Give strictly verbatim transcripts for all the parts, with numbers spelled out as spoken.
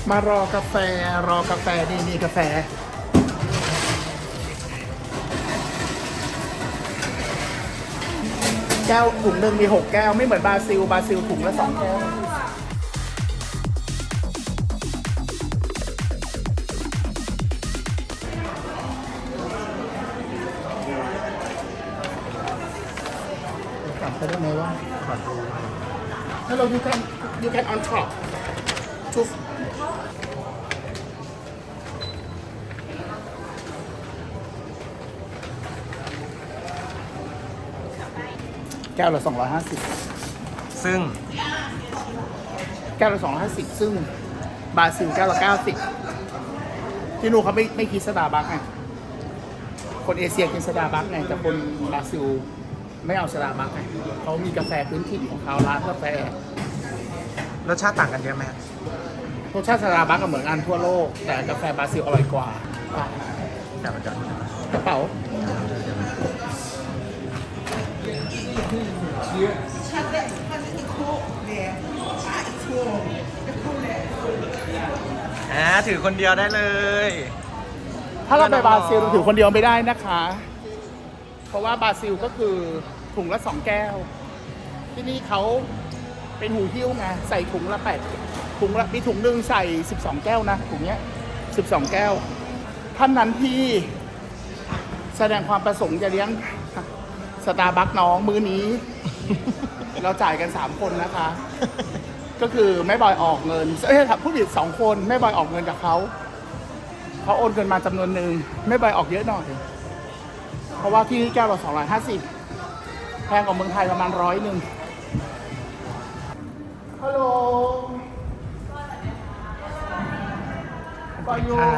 มารอกาแฟรอกาแฟนี่นี่กาแฟแก้วถุงหนึ่งมีหกแก้วไม่เหมือนบราซิลบราซิลถุงละสองแก้วกลับไปได้ไหมว่าขอดู Hello you can you can on top toแก้วละสองร้อยห้าสิบซึ่งแก้วละสองร้อยห้าสิบซึ่งบราซิลแก้วละเก้าสิบที่นู่นเขาไม่ไม่คิดสตาร์บัคไงคนเอเชียกินสตาร์บัคไงแต่คนบราซิลไม่เอาสตาร์บัคไงเขามีกาแฟพื้นถิ่นของเขาร้านกาแฟรสชาติต่างกันเยอะไหมรสชาติสตาร์บัคก็เหมือนกันทั่วโลกแต่กาแฟบราซิลอร่อยกว่าจับมาจับกระเป๋าอ่าถือคนเดียวได้เลยถ้าเราไปบราซิลถือคนเดียวไม่ได้นะคะเพราะว่าบราซิลก็คือถุงละสองแก้วที่นี่เขาเป็นหูหิ้วไงใส่ถุงละแปดถุงละมีถุงหนึ่งใส่สิบสองแก้วนะถุงเนี้ยสิบสองแก้วท่านนั้นที่แสดงความประสงค์จะเลี้ยงสตาร์บัคน้องมื้อนี้ เราจ่ายกันสามคนนะคะ ก็คือแม่บอยออกเงินเอ้ยผู้ผิดสองคนแม่บอยออกเงินกับเขาเขาโอนเงินมาจำนวนหนึ่งแม่บอยออกเยอะหน่อยเพราะว่าที่นี่แก้วละสองร้อยห้าสิบแพงกว่าเมืองไทยประมาณร้อยหนึ่งฮัลโหลปอยอยู่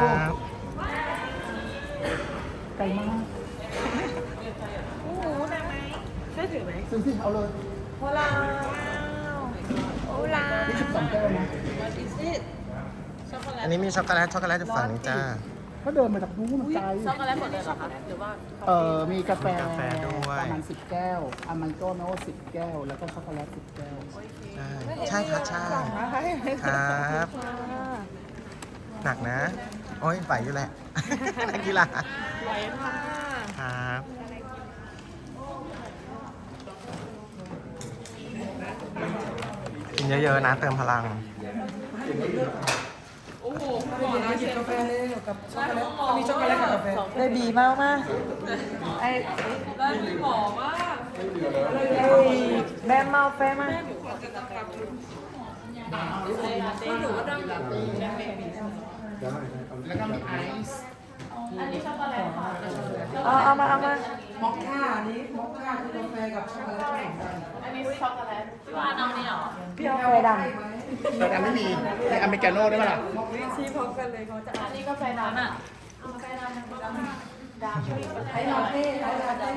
ไกลมากโอ้โหหนักไหมช่วยถือไหมซื้อสิเอาเลยโฮลาโฮลายี่สิบสองแก้วนะ What is it ช็อกโกแลตอันนี้มีช็อกโกแลตช็อกโกแลตอยู่ฝั่งนี้จ้าเขาเดินมาจากนู้นมันไกลช็อกโกแลตหมดเลยเหรอคะหรือว่าเออมีกาแฟกาแฟด้วยประมาณสิบแก้วอเมริกาโน่สิบแก้วแล้วก็ช็อกโกแลตสิบแก้วใช่ใช่ครับใช่ครับหนักนะโอ้ยไหวอยู่แหละนักกีฬาไหวค่ะครับกินเยอะๆนะเติมพลังโอ้โหก่อนนะหยิบกาแฟเลยกับช็อกโกแลตมีช็อกโกแลตกับกาแฟได้ดีมากมากไอ้ได้ดีหอมมากแม่เมาแฟมากหนูก็ดังแบบนี้แล้วก็มีไอซ์อันนี้ช็อกโกแลตค่ะเอาเอามาเอามามอคค่าอันนี้มอคค่าคือกาแฟกับช็อกโกแลตผสมกันอันนี้ช็อกโกแลตพี่ว่าน้องนี่หรอพี่เอากาแฟดำแต่ไม่มีในอเมริกาโน่ได้ไหมล่ะชี้พร้อมกันเลยเขาจะอันนี้กาแฟดำอ่ะกาแฟดำดำดำไอ้ลาเต้ไอ้ลาเต้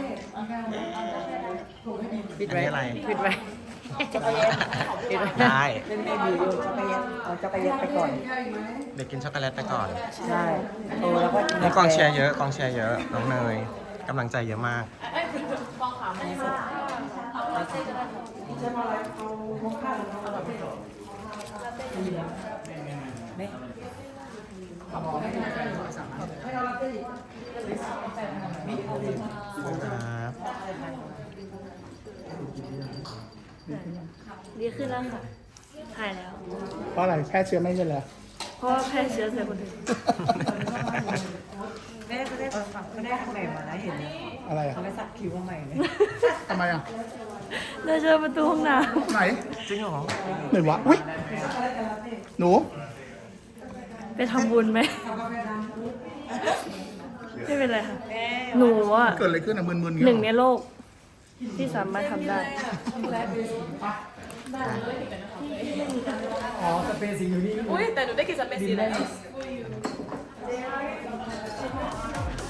ปิดไว้อะไรปิดไว้จักรยานได้เล่นไม่ดีอยู่จักรยานเอาจักรยานไปก่อนเด็กกินช็อกโกแลตไปก่อนใช่โอ้แล้วก็นี่กองเชียร์เยอะกองเชียร์เยอะน้องเนยกำลังใจเยอะมากฟองขาวไม่ใช่เอาลาเต้ก็ได้จะมาอะไรเอาโมค่าหรือเอาลาเต้ลาเต้ไม่เอาหมอให้ให้เอาลาเต้ครับดีขึ้นแล้วค่ะหายแล้วเพราะอะไรแค่เชื้อไม่ใช่เหรอเพราะว่าแพร่เชื้อใส่คนอื่นแม่เขาได้เขาได้ทำใหม่มาแล้วเห็นไหมอะไรอ่ะเขาได้สักคิ้วมาใหม่เลยทำไมอ่ะเราเจอประตูห้องน้ำไหนจริงเหรอไหนวะอุ้ยหนูไปทำบุญไหมไม่เป็นไรค่ะหนูอ่ะเกิดอะไรขึ้นอ่ะมึนๆหนึ่งในโลกที่สามารถทำได้อ๋อสเปซสีอยู่นี่อุ้ยแต่หนูได้กินสเปซสีแล้ว